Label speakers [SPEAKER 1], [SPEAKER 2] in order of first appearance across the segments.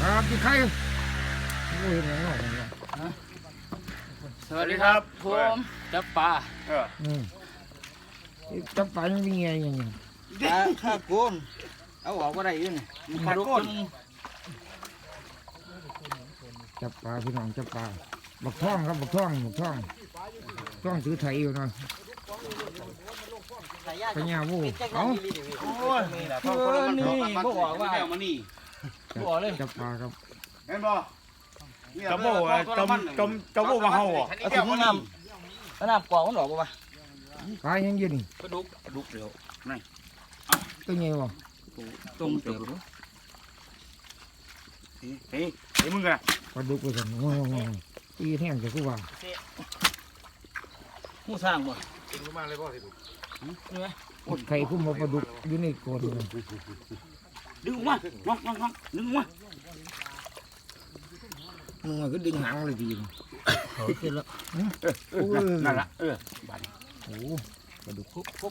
[SPEAKER 1] ครับที่ใครโอ้ยไหนหน่อยเนี่ย
[SPEAKER 2] สวัสดีครับผมจับปลา
[SPEAKER 1] จับปลายังมีไงอย่างเงี้ย
[SPEAKER 2] ข้าโกนเอาออกก็ได้ยื่นปลาโกน
[SPEAKER 1] จับปลาพี่น้องจับปลาบักท่องครับบักท่องถือไถอยู่เนาะปัญญาวูเอา
[SPEAKER 2] โอ้ยนี่บ่บอกว่ามานี่บ่เลย
[SPEAKER 1] จับปลาครับ
[SPEAKER 3] เห็นบ่
[SPEAKER 4] จะโบ้จะโบ้มาเฮาอ่ะ
[SPEAKER 2] เอาถึงน้ำกรอกมันออกป่ะ
[SPEAKER 1] ปลายังยืน
[SPEAKER 2] กระดูกเดียว
[SPEAKER 1] ตัวใหญ่บ่
[SPEAKER 2] ตรงเดียว
[SPEAKER 4] เฮ้ยมึงกัน
[SPEAKER 1] ปลาดุกไปสั่นโอ้ยตีแห้งจะกูว่า
[SPEAKER 2] หูสร้างบ่
[SPEAKER 1] ไข่คุ้มมาปลาดุกอยู่ในโกดเลย
[SPEAKER 2] ดึงมาน้องดึงมา
[SPEAKER 1] มึงก็ดึงหางเลยดี
[SPEAKER 2] ขึ้นแล้ว
[SPEAKER 4] นั่นละ
[SPEAKER 1] โอ้ปลาดุกคุบ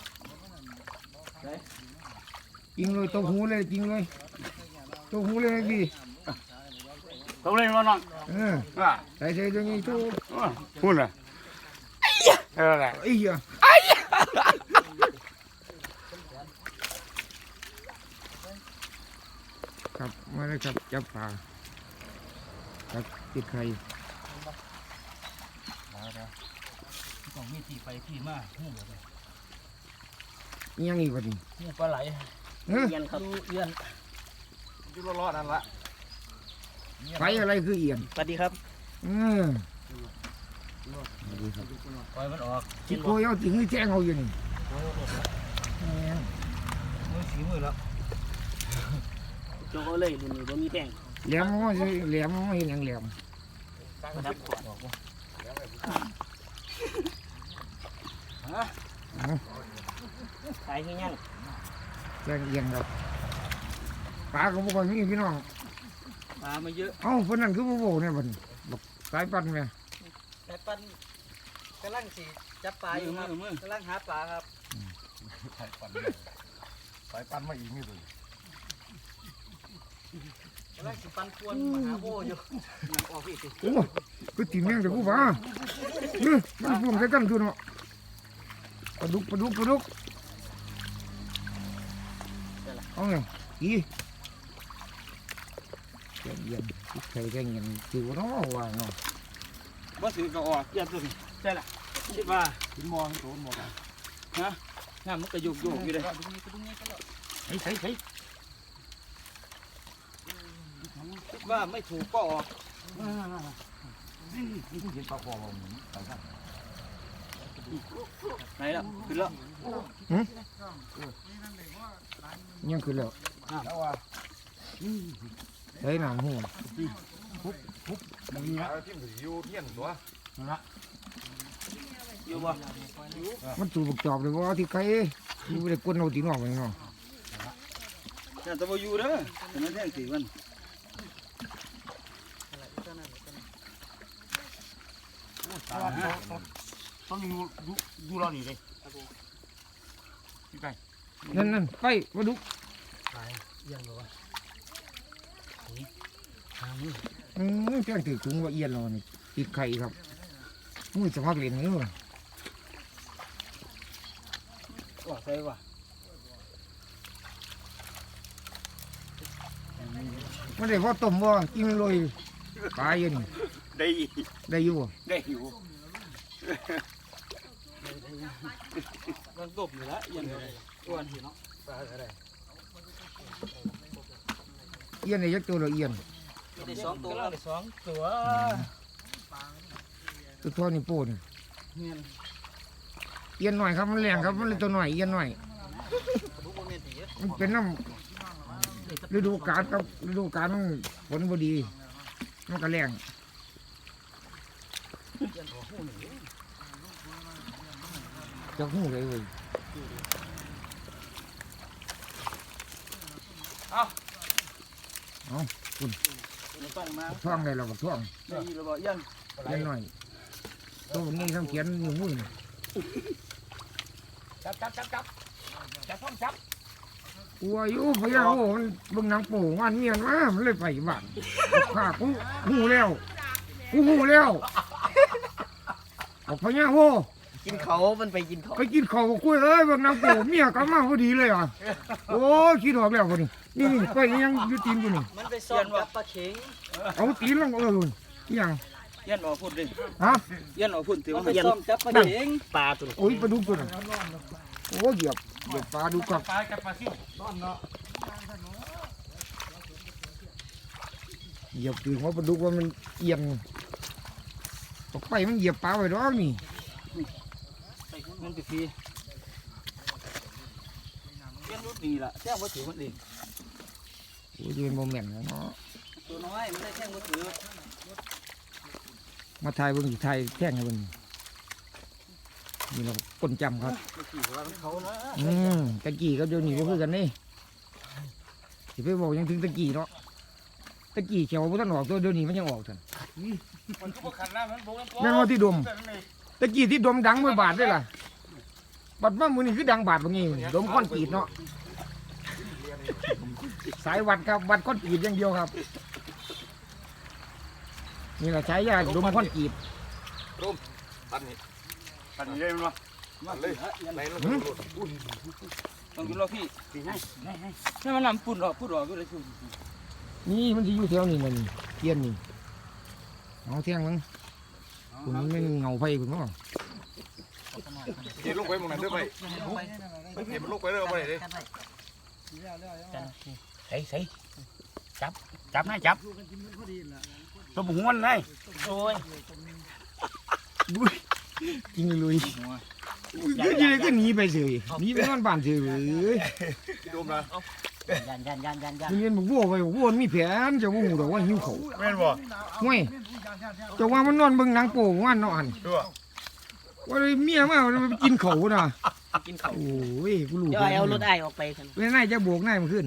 [SPEAKER 1] จริงเลยตัวหูเลยจริงเลยตัวหูเลยพี่
[SPEAKER 4] ต้องเล่นมาน้อง
[SPEAKER 1] ใส่ตัวนี้ตัว
[SPEAKER 4] พูดเลยอะไร
[SPEAKER 1] ไอ้เหี้ยครับมาเลยครับจับปลาครับติดไข่
[SPEAKER 2] ต้องมีที่ไปที่มาหูบ่
[SPEAKER 1] ยังอีกวันนี้
[SPEAKER 2] หูปลาไหลเอียนครับเอียน
[SPEAKER 3] อยู่รอดนั่นละ
[SPEAKER 1] ไฟอะไรคือเอียน
[SPEAKER 2] สวัสดีครับ
[SPEAKER 1] สวัสดีครับ
[SPEAKER 2] ปล่อยมันออก
[SPEAKER 1] จิโกยเอาถึงแจ้งเอาอยู่นี่
[SPEAKER 2] มือสีมือแล้วโจก็เลยรุ่นนี้บ่มีแป้ง
[SPEAKER 1] แหลมมันสิแหลมมันเห็นอย่างแหลม
[SPEAKER 2] ดับขวดออกบ่ขายที่ยัง
[SPEAKER 1] แจ้งเอียนครับปลาก็บอกว่ามีพี่น้อง
[SPEAKER 2] ปลามาเยอะ
[SPEAKER 1] เอ้าคนนั้นคือบ่โบเนี่ยบัดบอกสายปั่นแม่
[SPEAKER 5] แต่ปันกำลังสิจับปลาอยู่ครับกำลังหาปลาครับ
[SPEAKER 3] สายปันมาอีกนี่เลย
[SPEAKER 5] กำลังสิปันควนมาหาโบอยู่
[SPEAKER 2] ออกพี่สิ
[SPEAKER 1] โอ้คือตีแมงแต่กูว่ามันพ่วงใส่กันคือเนาะปลาดุกเอาไงอีแจ้งเอียนติดไข่แจ้งเอียนคือว่าเนาะว่าเนาะ
[SPEAKER 2] บ่ถือก็ออกเอียนตัวนี้ใช่ล่ะคิดว่า
[SPEAKER 3] หินมองโดนหมดอ่ะ
[SPEAKER 2] น้ำมันก็โยกอยู่เลยเฮ้ยคิดว่าไม่ถูกก็ออก
[SPEAKER 3] นี่เห็นปลาคอเราเหมือนปลาข้าง
[SPEAKER 2] ไหนล่ะขึ้นแล้ว
[SPEAKER 1] ยังคือแล้ว
[SPEAKER 3] แล้วว่า
[SPEAKER 1] ใส่น้ำหู
[SPEAKER 3] มันมีนะที่มันอยู่เที่ยงตัว
[SPEAKER 2] อยู่บ่
[SPEAKER 1] มันสูบจอบเลยว่าที่ใครอยู่ได้กวนเอาตีนออกไปเนาะ
[SPEAKER 2] แต่ตัวบ่อยู่เด้อแต่มันแท่งสีมัน
[SPEAKER 4] ต้องอยู่รอนี่เลยพี่ไก่
[SPEAKER 1] นั่นไปมาดู
[SPEAKER 2] ยังบ่วะ
[SPEAKER 1] แจ้งถือถุงว่าเอียนเรานี่ติดไข่ครับมือสมัครเรียนนี่ว่ะ
[SPEAKER 2] ว่าใส่ว่า
[SPEAKER 1] ไม่ได้ว่าต้มว่ากินเลยปลาเย็น
[SPEAKER 4] ได้
[SPEAKER 1] ได้อยู่บ่
[SPEAKER 4] ได้อยู่
[SPEAKER 2] มันตบอยู่แล้วยังอ้วนสิเนาะปลาอะไร
[SPEAKER 1] เอียนในยักษ์ตัวเราเอียน
[SPEAKER 5] มีได้สองตัวครับ
[SPEAKER 2] สองตัว
[SPEAKER 1] ตัวท่อนี่โป้น
[SPEAKER 2] เงี้ย
[SPEAKER 1] เอียนหน่อยครับมันแรงครับมันเลยตัวหน่อยเอียนหน่อย
[SPEAKER 5] บุกโมเมนต์เยอะ
[SPEAKER 1] มันเป็นน้ำฤดูกาลครับฤดูกาลมันฝนพอดีมันก็แรงจะหูเลยเว้ย
[SPEAKER 2] มันต้องมา
[SPEAKER 1] ท่องได้เราบอกท่อง
[SPEAKER 2] ได้ยินแล้วบ่ยัง
[SPEAKER 1] เอียนหน่อยตัวนี้ทำเขียนอยู่มือ
[SPEAKER 4] จับ
[SPEAKER 1] โอ้กลัวอยู่พญาโอ้มันเบิ่งหนังโป่งวันเมียนมามันเลยไปบ้านข้ากูหูแล้วบอกพญาโอ้
[SPEAKER 2] กินเขามันไปกินเขา
[SPEAKER 1] ไปกินข้าวกับกล้วยเอ้ยเบิ่งหนังโป่งเมียกลับมาพอดีเลยอ่ะโอ้คิดออกแล้วคนนี้นี่ไปยังอยู่ตีนกูนี่
[SPEAKER 5] มันไปซ่อนกับปลาเข็ง
[SPEAKER 1] เอาตีนลงยัง
[SPEAKER 2] เย็นออกพุ่นดิ
[SPEAKER 1] ฮะ
[SPEAKER 2] เย็นออกพุ่นถือ
[SPEAKER 5] มัน
[SPEAKER 2] ว่า
[SPEAKER 5] ไป
[SPEAKER 2] เย็น
[SPEAKER 5] ซ่อนกับปลาเข็ง
[SPEAKER 2] ปลาตัว
[SPEAKER 1] โอ้ยปลาดุกตัวนั้นโอ้เหยียบปลาดุกกับ
[SPEAKER 4] ปลากับปลาซิว
[SPEAKER 1] เหยียบถึงว่าปลาดุกว่ามันเอียงตกไปมันเหยียบปลาไว้ดอกนี่
[SPEAKER 2] มันจะฟีเย็นรุดนี่ล่ะแจ้งว่าถือมันเอง
[SPEAKER 1] โอ้ยยืนโมเมนต์เนาะ
[SPEAKER 5] ตัวน้อยมันได้แค่มือถือ
[SPEAKER 1] มาถ่ายเบิ่งสิถ่ายแท่งให้เบิ่งนี่เราคนจำครับ
[SPEAKER 2] ขี่ว่าเขานะ
[SPEAKER 1] ตะกี้กับเดี๋ยวนี้ก็คือกันนี่สิไปบอกยังถึงตะกี้เนาะตะกี้เขียวบ่ทันออกตัวเดี๋ยวนี้มันยังออกทัน
[SPEAKER 4] มันก็บ่ขันน้ำมันบ่กันตัว
[SPEAKER 1] แม่งว่าที่ดมตะกี้ที่ดมดังเมื่อบาทได้ล่ะบัดว่ามื้อนี้คือดังบาทบ่งี้ดมก้อนกรีดเนาะสายวัดครับวัดก้อนกรีดอย่างเดียวครับนี่แหละใช้ยาดมก้อนกรีด
[SPEAKER 4] ปันนี้เลยมันวะ
[SPEAKER 2] มาเลย
[SPEAKER 4] ไหนลง
[SPEAKER 2] ต้องกินรอพี่ให้มันนำปุ่นออกพูดออกก็เลยชุ่ม
[SPEAKER 1] นี่มันสิอยู่แถวนี้นั่นนี่เทียนนี่เอาเที่ยงมั้งคุณมันเงาไฟคุณมั้ง
[SPEAKER 4] เดี๋ยวลงไปมองนั้นด้วยไปไม่เห็นมันลงไปเลยเอาไปเลย
[SPEAKER 3] ใส่จับให้จับตัวบุ้งมันเลย
[SPEAKER 2] โอ้ย
[SPEAKER 1] จริงเลยเดี๋ยวจะก็หนีไปเฉยหนีไปนอนบ้านเฉยเลย
[SPEAKER 4] ดูมนะ
[SPEAKER 5] ยัน
[SPEAKER 1] เรียนบอกวัวไปบอกวัวมีแผนจะว่าหูดอกว่าหิวเขา
[SPEAKER 4] แม่นบ่
[SPEAKER 1] ห่วยจะว่ามันนอนเบิ่งหนังโป่งวันนอน
[SPEAKER 4] ดูอ่ะ
[SPEAKER 1] ว่าเลยเมียมามันไปกินเขาน่ะ
[SPEAKER 2] กินเขา
[SPEAKER 1] โอ้ยกูรู้
[SPEAKER 2] เดี๋ยวเอารถไอออกไปกัน
[SPEAKER 1] เว้นนายจะโบกนายมันขึ้น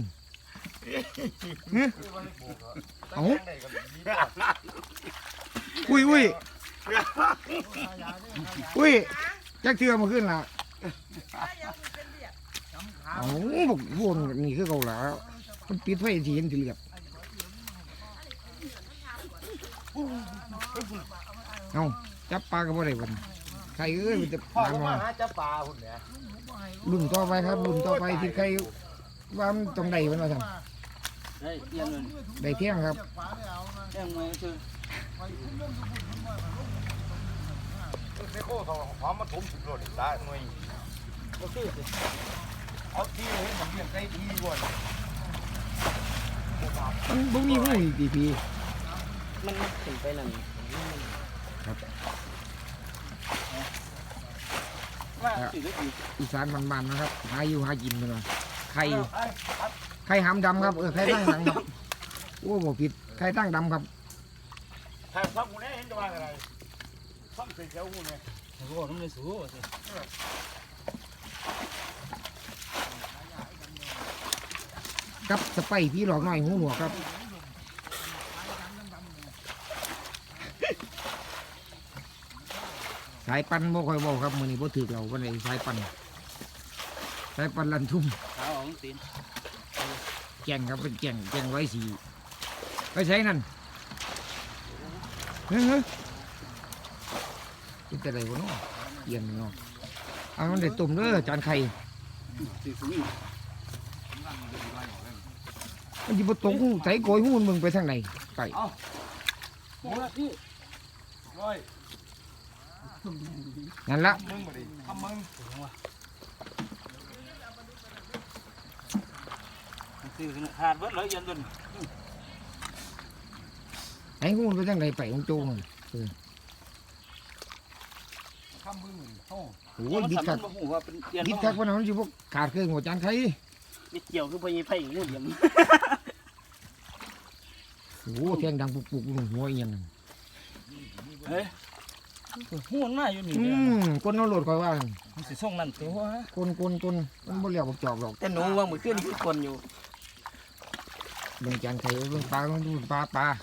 [SPEAKER 1] เอาอุ้ยจักเทือมาขึ้นล่ะเอาบอกวัวนี่คือเขาแล้วมันปิดไฟทีเห็นทีเรียบเอาจับปลาก็บ่ได้วันใครเอ้ยมันจะ
[SPEAKER 3] พ่อ
[SPEAKER 1] ปลา
[SPEAKER 3] ก็
[SPEAKER 1] มา
[SPEAKER 3] มาหาจับปลาหุ่นเนี่ย
[SPEAKER 1] รุ่นต่อไปครับรุ่นต่อไปที่ใครว่ามันต้องได้มันมาท
[SPEAKER 2] เฮ้ยเยี่ยมเลย
[SPEAKER 1] ำได้เที่ยงครับ
[SPEAKER 2] แจ้งมาคือ
[SPEAKER 4] ไอ้โค้ทองหอมมาถมสุดโลดตาหน่วย
[SPEAKER 2] ก็คือ
[SPEAKER 4] เอาที่ให้มันเลี้ยงไก่ที่บ่อน
[SPEAKER 1] มันบ่มีหูอีกที
[SPEAKER 2] มันถึงไปนั่นมาสิก็ดี
[SPEAKER 1] อีสานมันๆนะครับหาอยู่หากินเลยไข่หามดำครับไข่ตั้งหลังครับโอ้บ่ผิดไข่ตั้งดำครับ
[SPEAKER 4] ถ้าฟังกูเนี่ยเห็นจะว่าอะไรฟังเสียงเจ้ากูเนี่ย
[SPEAKER 2] โอ้โหมันไม่สู้สิ
[SPEAKER 1] กับสไปพี่หลอกหน่อยหูหนวกครับสายปันบ่ค่อยเว้าครับมื้อนี้บ่ถึกเราวันไหนสายปันลันทุ่ม
[SPEAKER 2] ขาของตีน
[SPEAKER 1] แก่งครับเป็นแก่งไว้สีไปใช้นั่นเฮ้ยเป็นแต่ไรวะเนาะเอียนเนาะเอามันได้ตุ่มเด้อจานไข่
[SPEAKER 2] ตีสูง
[SPEAKER 1] มันจะมาตกหูใส่โกยหูมึงไปทางไหนไป
[SPEAKER 2] โอ้ยพี่
[SPEAKER 4] ร้อย
[SPEAKER 1] นั่นละ
[SPEAKER 4] มึงมาดิทำมึง
[SPEAKER 2] ตีขาดเบิดเลยยันจน
[SPEAKER 1] ไอ้หูมันไปทางไหนไปของโจมัน
[SPEAKER 4] ทำมึงโอ้
[SPEAKER 1] โอ้ยบิดคัก
[SPEAKER 2] บ่ฮู้ว่าเป็นเตียน
[SPEAKER 1] บิดคักวันนั้นสิพวกขาดเครื่องหัวจานไข่
[SPEAKER 2] บิดเกี่ยวคือพญไผ่งูเหลี่ยม
[SPEAKER 1] โอ้แทงดังปุกๆหัวเอียงนั่น
[SPEAKER 2] เฮ้ยหูมันมาอยู่นี่
[SPEAKER 1] คนเอาโหลดคอยว่า
[SPEAKER 2] มันสิส่งนั่นตัว
[SPEAKER 1] คนมันบ่เลี้ยวบ่จอบหรอก
[SPEAKER 2] แต่หนูว่ามือขึ้นคือคนอยู่
[SPEAKER 1] เบิ่งจานไข่เบิ่งปลาต้องดูปลา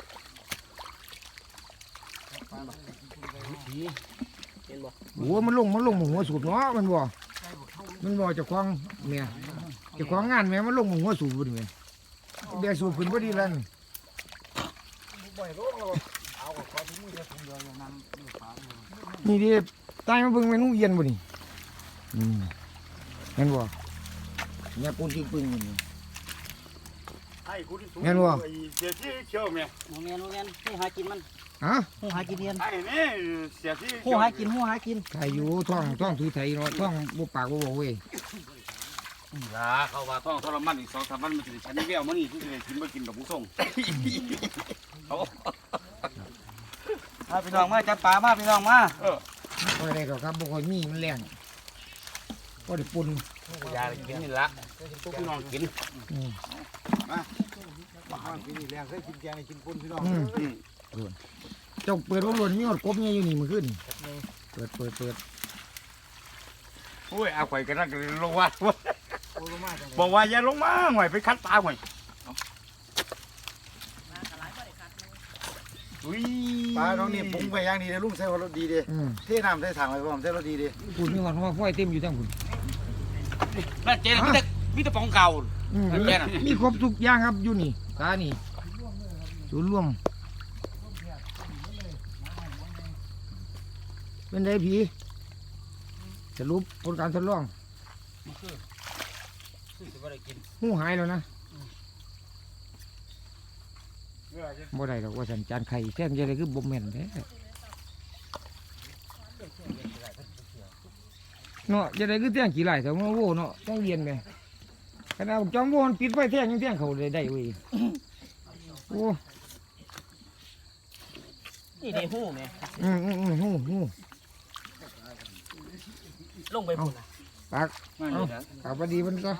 [SPEAKER 2] เห็นบ่
[SPEAKER 1] โอ้มันลงหัวสูบเนาะมันบ่จะคล้องเนี่ย
[SPEAKER 2] เอา
[SPEAKER 1] เจ้าของงานแม่มันลงหมู่หัวสูบบ่นี่แม่เบียร์สูบขึ้นบ่ดีแล้วนี่นี่ดิตายมาเบิ่งเมนูเย็นบ่นี่เห็นบ่เนี่ยปูนที่ปึ้งนี่
[SPEAKER 3] ไอ้กูที่สูง
[SPEAKER 1] แม่นบ่
[SPEAKER 3] ไอ้เสียที่เชี่ยวแม่
[SPEAKER 5] โมเมนหูหากินมัน
[SPEAKER 1] ฮะ
[SPEAKER 5] หูหากินเรียน
[SPEAKER 3] ไอ้นี่เสียที่
[SPEAKER 5] หูหากินหูหากิน
[SPEAKER 1] ไทยอยู่ท้องถือไทยเนาะท้องบ่ปากบ่บอกเว้ย
[SPEAKER 3] ล่ะเขาว่าต้องทรมานอีก2-3วันมันจะได้ฉันแก้วมันนี่ที่จะได้กินบ่กินดอกผู้ส่งเขา
[SPEAKER 5] มาพี่น้องมาจับปลามาพี่น้องมา
[SPEAKER 1] บ่ได้ดอกครับบ่ค่อยมีมันแรงบ่ได้ปุ่น
[SPEAKER 3] ยากินนี่ละทุกพี่น้องกิน
[SPEAKER 1] อืม
[SPEAKER 4] กินนี่แรงใส่กินแกงกินปุ้นพี่น้อง
[SPEAKER 1] เจ้าเปิดบ่ล้วนมีหอดกบเนี่ยอยู่นี่มื้อคืนเปิด
[SPEAKER 3] โอ้ยเอาไปกันนั่งลงว่าบอกว่าอย่าลงมาหน่อยไปคัดปลาหน่อยอุ้ย
[SPEAKER 4] ปลาน้องนี่ปรุงไปอย่างดีเลยลุงใส่รสดีเด้เทน้ำใส่ถังไว้พร้อมใส่รสดีเด้
[SPEAKER 1] พูดมีหอดว่าฝ้อยเต็มอยู่ทั้งพุ่น
[SPEAKER 3] น่าเจ๊มีแต่ปองเก่า
[SPEAKER 1] มีครบทุกอย่างครับอยู่นี่ตานี่ศูนย์รวมเป็นไดผีสรุปผลการทดลอง
[SPEAKER 2] ซื้อสิบ่ได้กิน
[SPEAKER 1] หูหายแล้วนะบ่ได้ดอกว่าสัญจานไข่แท้จะได้คือบ่แม่นแท้เนาะจะได้คือแท้งกี่ไหลแต่ว่าโว้เนาะต้องเรียนไปขณะจอมโว้มันปิดไฟแท้งยังแท้งเขาได้เว้ยโอ้
[SPEAKER 5] นี่เด้หูแม่
[SPEAKER 1] หู
[SPEAKER 5] ลงไปพุ่นน่ะ
[SPEAKER 1] ปาก
[SPEAKER 2] มานี่นะ
[SPEAKER 1] ปากพอดีมันก็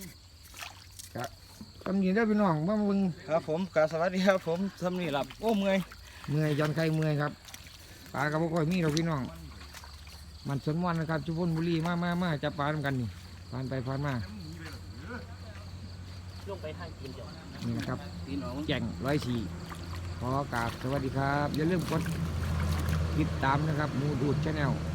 [SPEAKER 1] ทำยินได้พี่น้องว่ามึง
[SPEAKER 2] ครับผมกราบสวัสดีครับผมทำนี่หลับโอ้เมื่อย
[SPEAKER 1] เมื่อยจอนไข่เมื่อยครับปลากระบอกอยมีเราพี่น้อง มันสนวันนะครับชุพนบุรีมาจับปลาทำกันนี่ผ่านไปผ่านมา
[SPEAKER 5] ลงไปทางกินจ้ะ
[SPEAKER 1] นี่นะครับ
[SPEAKER 2] ตีนออก
[SPEAKER 1] แจ่ง104ขอกราบสวัสดีครับ อย่าลืมกดติดตามนะครับหมูดูดชาแนล